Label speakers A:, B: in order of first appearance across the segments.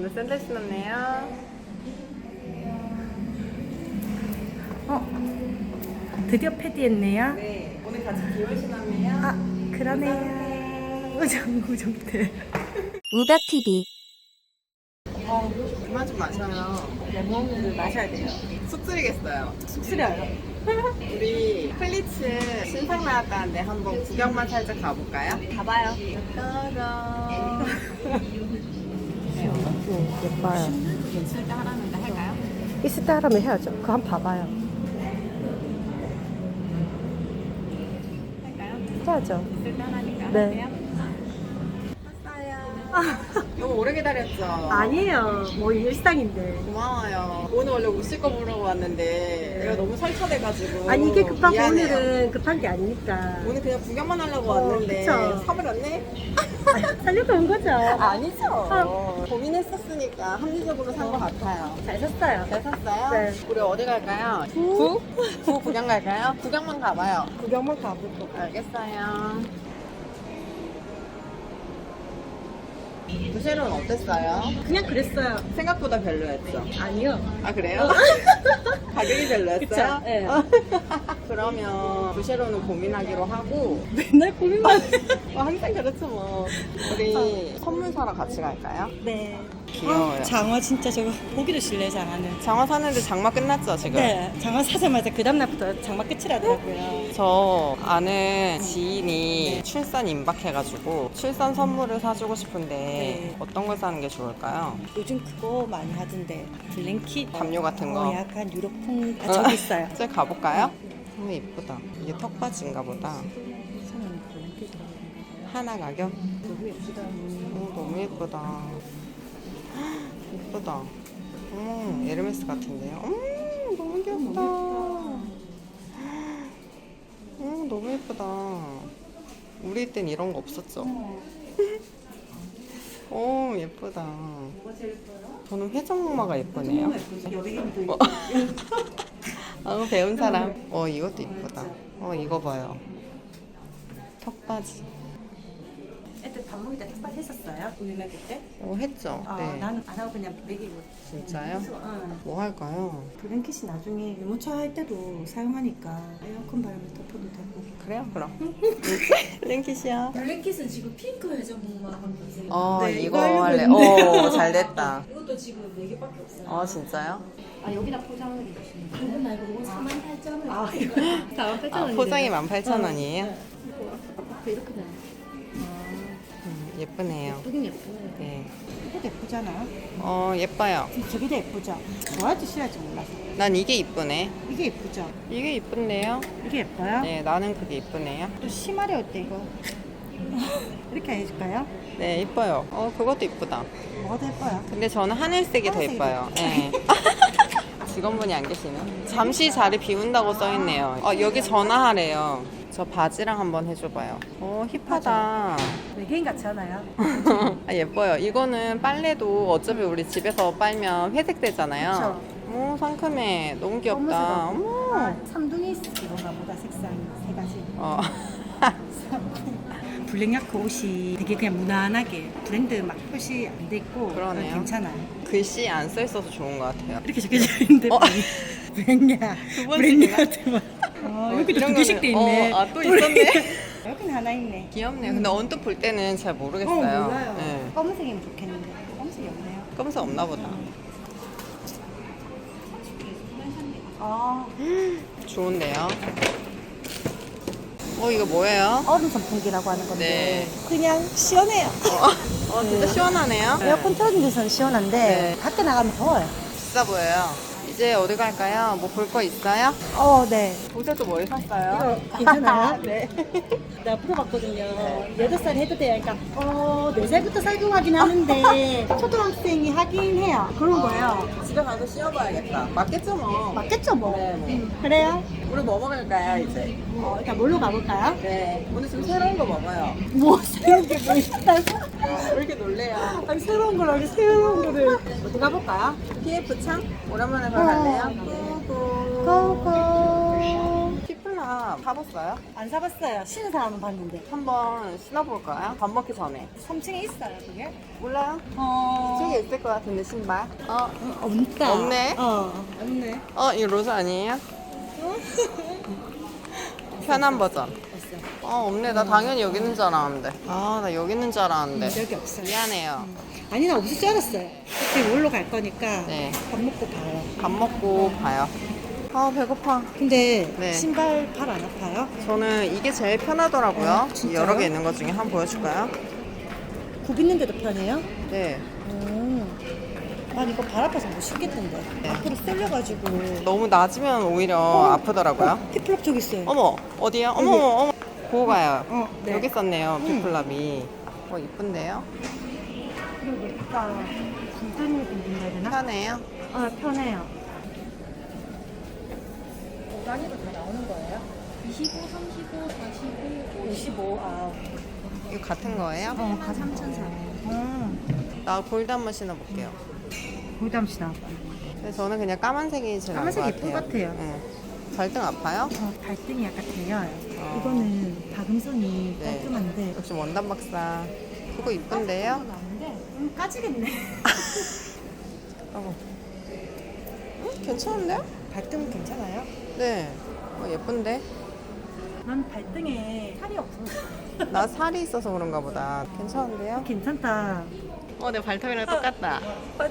A: 오늘 샌들 신었네요.
B: 드디어 패디했네요.
A: 네, 오늘 같이 기울 신었네요.
B: 아, 그러네요. 우정우정대.
C: 우박TV.
A: 그만 좀 마셔요.
B: 레몬을 마셔야 돼요.
A: 쑥쓰리겠어요.
B: 쑥스려요.
A: 우리 플리츠 신상 나왔다는데 한번 구경만 살짝 가볼까요?
B: 가봐요.
A: 따라.
B: 예뻐요.
A: 쓸때 하라는데 할까요?
B: 있을 때 하라면 해야죠. 그거 한번 봐봐요.
A: 할까요?
B: 해야죠.
A: 쓸때 하라니까
B: 네.
A: 할게요. 왔어요. 너무 오래 기다렸죠?
B: 아니에요. 뭐 일상인데.
A: 고마워요. 오늘 원래 오실 거 보러 왔는데 내가 너무 설쳐돼가지고
B: 아니 이게 급하고
A: 미안해요.
B: 오늘은 급한 게 아니니까.
A: 오늘 그냥 구경만 하려고 왔는데
B: 그쵸.
A: 사버렸네?
B: 살려고 온 거죠.
A: 아니죠. 고민했었으니까 합리적으로 산 것 같아요.
B: 잘 샀어요.
A: 잘 샀어요?
B: 네.
A: 우리 어디 갈까요? 구? 구 구경 갈까요? 구경만 가봐요.
B: 구경만 가보고.
A: 알겠어요. 부쉐로는 어땠어요?
B: 그냥 그랬어요.
A: 생각보다 별로였죠?
B: 아니요.
A: 아 그래요? 가격이 별로였어요?
B: 그쵸, 네.
A: 그러면 부쉐로는 고민하기로 하고
B: 맨날 고민만.
A: 항상 그렇죠 뭐. 우리 선물 사러 같이 갈까요?
B: 네.
A: 귀여워요.
B: 장어 진짜 저거 보기도 싫네 장어는.
A: 장화 사는데 장마 끝났죠 지금?
B: 네. 장어 사자마자 그 다음날부터 장마 끝이라더라고요.
A: 저 아는 지인이 출산 임박해가지고 출산 선물을 사주고 싶은데
B: 네.
A: 어떤 걸 사는 게 좋을까요?
B: 요즘 그거 많이 하던데 블랭킷.
A: 담요 같은 거?
B: 약간 유럽풍. 아 저기 있어요.
A: 저기 가볼까요? 너무 예쁘다. 이게 턱받이인가 보다.
B: 저는 블랭킷
A: 하나 가격?
B: 너무 예쁘다.
A: 너무 예쁘다. 예쁘다. 에르메스 같은데요? 너무 귀엽다. 너무 예쁘다. 우리 땐 이런 거 없었죠? 오, 예쁘다. 저는 회전목마가 예쁘네요.
B: 여백인도
A: 배운 사람. 이것도 예쁘다. 이거 봐요. 턱받이.
B: 애들 밥 먹을 때 턱받이 했었어요? 우리 먹을 때?
A: 했죠?
B: 아
A: 네.
B: 나는 안 하고 그냥 먹이고.
A: 진짜요?
B: 응.
A: 뭐 할까요?
B: 블랭킷이 나중에 유모차 할 때도 사용하니까 에어컨 바람에 덮어도 되고.
A: 그래요? 그럼. 랭키시야.
D: 블랙킷은 지금 핑크 회전목마 한 거세요.
B: 네,
A: 이거
B: 이거 하려고
A: 할래.
B: 했는데.
A: 잘 됐다.
D: 이것도 지금 4개밖에 없어요.
A: 진짜요?
D: 아, 여기다 포장을 해주시면 돼요. 이건 말고 이건 48,000원.
B: 아 이거 48,000원인데.
A: 포장이 18,000원이에요?
D: 이렇게 돼요.
A: 예쁘네요.
D: 예쁘긴 예쁘네요.
A: 네.
B: 이게 예쁘잖아요.
A: 예뻐요.
B: 저기도 예쁘죠. 좋아할지 싫어할지 몰라서.
A: 난 이게 이쁘네.
B: 이게 예쁘죠.
A: 이게 이쁜데요?
B: 이게 예뻐요.
A: 네, 나는 그게 이쁘네요.
B: 또 심하려 어때 이거? 이렇게 해줄까요?
A: 네, 이뻐요. 그것도 이쁘다.
B: 뭐가 더 예뻐요?
A: 근데 저는 하늘색이 더
B: 하늘색이
A: 예뻐요. 네. 직원분이 안 계시네. 잠시 자리 비운다고 써있네요. 여기 전화하래요. 저 바지랑 한번 해줘봐요. 힙하다.
B: 외계인 같지 않아요?
A: 예뻐요. 이거는 빨래도 어차피 우리 집에서 빨면 회색 되잖아요. 오, 상큼해. 너무 귀엽다. 어머.
B: 아, 삼둥이 이건가 보다 색상이 세 가지. 블랙야크 옷이 되게 그냥 무난하게 브랜드 막 표시 안 돼 있고
A: 그러네요.
B: 괜찮아요.
A: 글씨 안 써있어서 좋은 것 같아요.
B: 이렇게 적혀져 있는데 브랜야
A: 두 번씩이나?
B: 브랜야한테만 여기도 두 개씩 돼 있네.
A: 또 있었네.
B: 여기는 하나 있네.
A: 귀엽네요. 근데 언뜻 볼 때는 잘 모르겠어요.
B: 몰라요.
A: 네.
B: 검은색이면 좋겠는데 검은색이 없네요.
A: 검은색 없나 보다.
B: 아
A: 좋은데요. 이거 뭐예요?
B: 얼음 선풍기라고 하는 건데
A: 네.
B: 그냥 시원해요.
A: 진짜 시원하네요.
B: 에어컨 틀어준 데서는 시원한데
A: 네.
B: 밖에 나가면 더워요.
A: 비싸 보여요. 이제 어디 갈까요? 뭐 볼 거 있어요?
B: 네.
A: 옷에도 뭘 샀어요?
B: 괜찮아요?
A: 네.
B: 내가 물어봤거든요. 8살 해도 돼요. 그러니까 4살부터 살금하긴 하는데 초등학생이 하긴 해요. 그런 거예요.
A: 집에 가서 씌워봐야겠다. 맞겠죠 뭐.
B: 맞겠죠 뭐.
A: 네.
B: 그래요?
A: 우리 뭐 먹을까요 이제?
B: 일단 뭘로 가볼까요?
A: 네. 오늘 좀 새로운 거 먹어요.
B: 뭐 새로운 게 뭐 있다고?
A: 왜 이렇게 놀래요?
B: 아니 새로운 거라고 새로운 거를 어디 가볼까요?
A: PF 창? 오랜만에 거 갈래요?
B: 고고.
A: 피플라 사봤어요?
B: 안 사봤어요. 신은 사람은 봤는데.
A: 한번 신어볼까요? 밥 먹기 전에.
B: 3층에 있어요, 그게?
A: 몰라요?
B: 어.
A: 저기 있을 것 같은데 신발.
B: 없다.
A: 없네.
B: 없네.
A: 이거 로즈 아니에요? 편한 버전. 없네. 나 당연히 여기 있는 줄 알았는데. 나 여기 있는 줄 알았는데.
B: 여기 없어요.
A: 미안해요.
B: 아니, 나 없을 줄 알았어요. 지금 올로 갈 거니까
A: 네.
B: 밥 먹고 봐요.
A: 밥 먹고 봐요. 배고파.
B: 근데
A: 네.
B: 신발 발 안 아파요?
A: 저는 이게 제일 편하더라고요.
B: 진짜요?
A: 여러 개 있는 것 중에 한번 보여줄까요?
B: 굽 있는데도 편해요?
A: 네.
B: 난 이거 발 아파서 못 신겠던데.
A: 네.
B: 앞으로 쏠려가지고.
A: 너무 낮으면 오히려 아프더라고요.
B: 피플럽 저기 있어요.
A: 어머, 어디요? 어머,
B: 여기.
A: 어머. 보고 가요.
B: 네.
A: 여기 있었네요, 비플랍이. 이쁜데요?
B: 그리고 예쁘다. 굴든이 굴든해야 되나?
A: 편해요?
B: 편해요. 단위로 다 나오는 거예요?
D: 25, 35, 45,
B: 55.
A: 이거 같은 거예요?
B: 같은 3,400.
A: 나 골드 한번 신어볼게요.
B: 골담시나.
A: 근데 저는 그냥 까만색이 제일 나은 것
B: 까만색이 예쁠
A: 같아요.
B: 것 같아요.
A: 응. 발등 아파요?
B: 발등이 약간 대여요. 이거는 박음선이
A: 네.
B: 깔끔한데.
A: 역시 원단 박사. 그거 이쁜데요?
B: 나는데 까지겠네.
A: 괜찮은데요?
B: 발등 괜찮아요?
A: 네. 예쁜데?
B: 난 발등에 살이 없어.
A: 나 살이 있어서 그런가 보다. 괜찮은데요?
B: 괜찮다.
A: 내 발톱이랑 똑같다.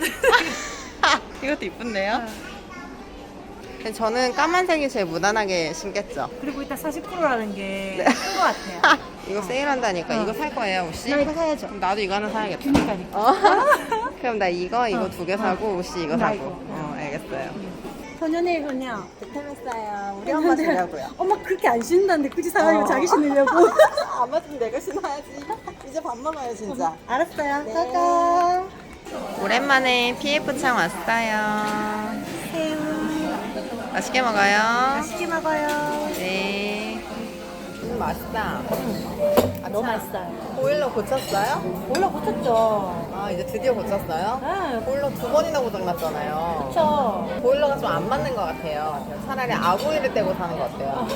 A: 이것도 이쁜데요? 근데 저는 까만색이 제일 무난하게 신겠죠.
B: 그리고 일단 40%라는 게
A: 네.
B: 큰 것 같아요.
A: 이거 세일한다니까. 이거 살 거예요, 혹시?
B: 나 이거 사야죠.
A: 그럼 나도 이거 하나 사야겠다.
B: 그니까니까.
A: 그럼 나 이거 2개 사고, 혹시 이거
B: 나
A: 사고.
B: 이거.
A: 알겠어요.
B: 소년의 효녀.
A: 득템했어요. 우리 엄마 주려고요.
B: 엄마 그렇게 안 신는다는데 굳이 사가지고 자기 신으려고.
A: 안 맞으면 내가 신어야지. 이제 밥 먹어요, 진짜.
B: 알았어요.
A: 네.
B: 짜잔.
A: 오랜만에 PF창 왔어요.
B: 새우.
A: 맛있게 먹어요.
B: 맛있게 먹어요.
A: 네. 맛있다.
B: 너무 맛있어요.
A: 보일러 고쳤어요?
B: 몰라 고쳤죠.
A: 이제 드디어 고쳤어요?
B: 네.
A: 보일러 2번이나 고장났잖아요.
B: 그쵸.
A: 보일러가 좀 안 맞는 것 같아요. 차라리 아구이를 떼고 사는 것 같아요.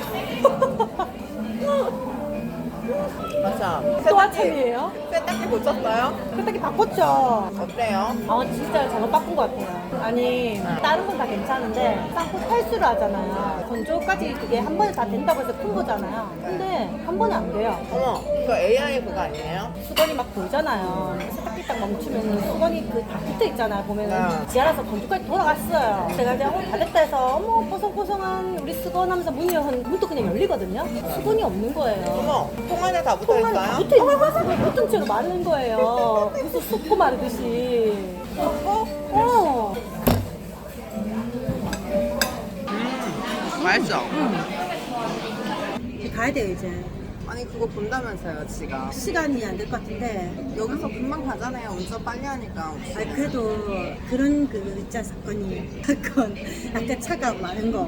A: 맞아.
B: 또 아침이에요?
A: 세탁기 고쳤어요?
B: 세탁기 바꿨죠.
A: 어때요?
B: 진짜 잘못 바꾼 것 같아요. 아니, 다른 건 다 괜찮은데, 쌍코 탈수를 하잖아요. 건조까지 그게 한 번에 다 된다고 해서 푼 거잖아요. 근데 한 번에 안 돼요.
A: 어머, 그 AI 그거 아니에요?
B: 수건이 막 돌잖아요. 세탁기 딱 멈추면 수건이 그 다 붙어 있잖아요. 보면은
A: 네.
B: 지하라서 건조까지 돌아갔어요. 제가 이제 다 됐다 해서 어머 뽀송뽀송한 우리 수건 하면서 문이 문도 그냥 열리거든요. 수건이 없는 거예요.
A: 어머, 통 안에 다 붙어
B: 통안에 다
A: 있어요?
B: 붙어 있는 거예요. 붙은 채로 마르는 거예요. 무슨 쏟고 마르듯이. 어.
A: 맛있어.
B: 가야 돼요 이제.
A: 아니 그거 본다면서요, 지가.
B: 시간이 안 될 것 같은데.
A: 여기서 금방 가잖아요. 운전 빨리 하니까.
B: 아니 그래도 그런 그 있잖아 사건 약간 차가 많은 거.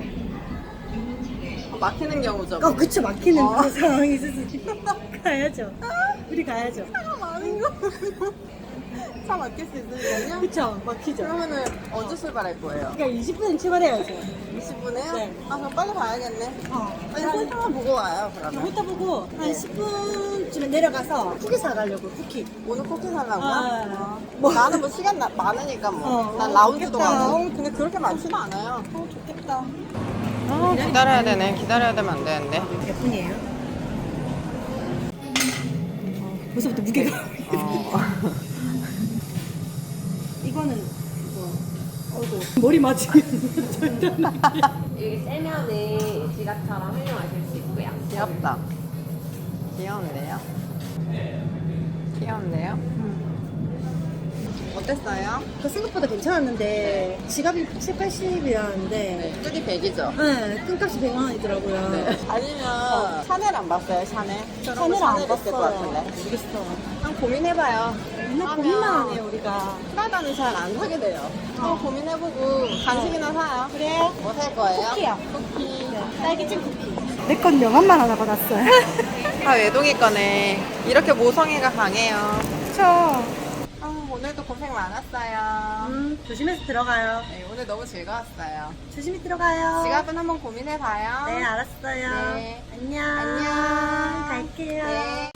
A: 막히는 경우죠.
B: 그쵸 막히는 그런 상황이 있어서 가야죠. 우리 가야죠.
A: 차가 많은 거. 차 막힐 수 있으니까요.
B: 그쵸 막히죠.
A: 그러면은 언제 출발할 거예요?
B: 그러니까 20분은 출발해야죠.
A: 20분에요?
B: 네.
A: 그럼 빨리 가야겠네. 아니,
B: 한
A: 설탕만 보고 와요, 그러면.
B: 이따 보고 한 10분쯤에 내려가서 쿠키 사가려고 쿠키.
A: 오늘 쿠키 살라고요?
B: 아.
A: 나는 뭐 시간 많으니까 뭐. 난 라운지도 가고. 근데 그렇게 많지는 않아요.
B: 좋겠다.
A: 기다려야 되네. 기다려야 되면 안 되는데.
B: 몇 분이에요? 벌써부터 무게가. 이거는 그거. 어이구 머리 맞으면 절대 안 돼.
D: 여기 세면은 지갑처럼 활용하실 수 있고요.
A: 귀엽다. 귀여운데요? 귀여운데요? 어땠어요?
B: 그 생각보다 괜찮았는데 지갑이 7, 80이었는데
A: 뚜디 100이죠?
B: 네, 끈값이 100만 원이더라고요.
A: 네. 아니면 샤넬 안 봤어요, 샤넬?
B: 샤넬 안
A: 있을 것
B: 봤어요.
A: 같은데.
B: 모르겠어.
A: 한번 고민해봐요.
B: 맨날 고민만 하네요 우리가.
A: 프라다는 잘 안 사게 돼요. 한번 고민해보고 간식이나 사요.
B: 그래?
A: 뭐 살 거예요?
B: 쿠키요.
A: 쿠키.
B: 딸기잼 쿠키. 내 건 명함만 하나 받았어요.
A: 다 외동이 거네. 이렇게 모성애가 강해요.
B: 그쵸.
A: 오늘도 고생 많았어요.
B: 조심해서 들어가요.
A: 네, 오늘 너무 즐거웠어요.
B: 조심히 들어가요.
A: 지갑은 한번 고민해봐요.
B: 네, 알았어요.
A: 네.
B: 안녕.
A: 안녕.
B: 갈게요.
A: 네.